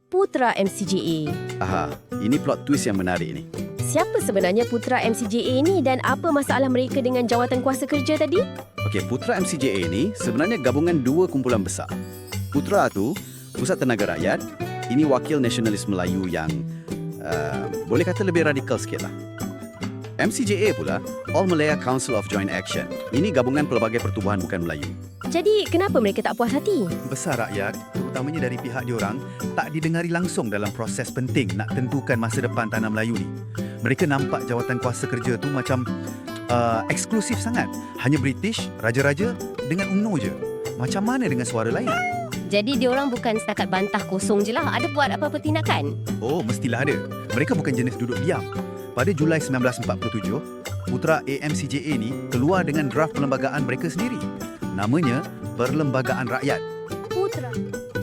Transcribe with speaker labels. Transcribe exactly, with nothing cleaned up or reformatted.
Speaker 1: Putra M C J A.
Speaker 2: Aha, ini plot twist yang menarik ni.
Speaker 1: Siapa sebenarnya Putra M C J A ni dan apa masalah mereka dengan jawatan kuasa kerja tadi?
Speaker 2: Okey, Putra M C J A ni sebenarnya gabungan dua kumpulan besar. Putra tu Pusat Tenaga Rakyat, ini wakil nasionalis Melayu yang uh, boleh kata lebih radikal sikit lah. M C J A pula, All Malaya Council of Joint Action. Ini gabungan pelbagai pertubuhan bukan Melayu.
Speaker 1: Jadi kenapa mereka tak puas hati?
Speaker 3: Besar rakyat, terutamanya dari pihak diorang, tak didengari langsung dalam proses penting nak tentukan masa depan tanah Melayu ni. Mereka nampak jawatan kuasa kerja tu macam uh, eksklusif sangat. Hanya British, raja-raja dengan U M N O je. Macam mana dengan suara lain?
Speaker 1: Jadi diorang bukan setakat bantah kosong je lah. Ada buat apa-apa tindakan?
Speaker 3: Oh, mestilah ada. Mereka bukan jenis duduk diam. Pada Julai sembilan belas empat puluh tujuh, Putra A M C J A ni keluar dengan draft perlembagaan mereka sendiri. Namanya Perlembagaan Rakyat.
Speaker 1: Putra.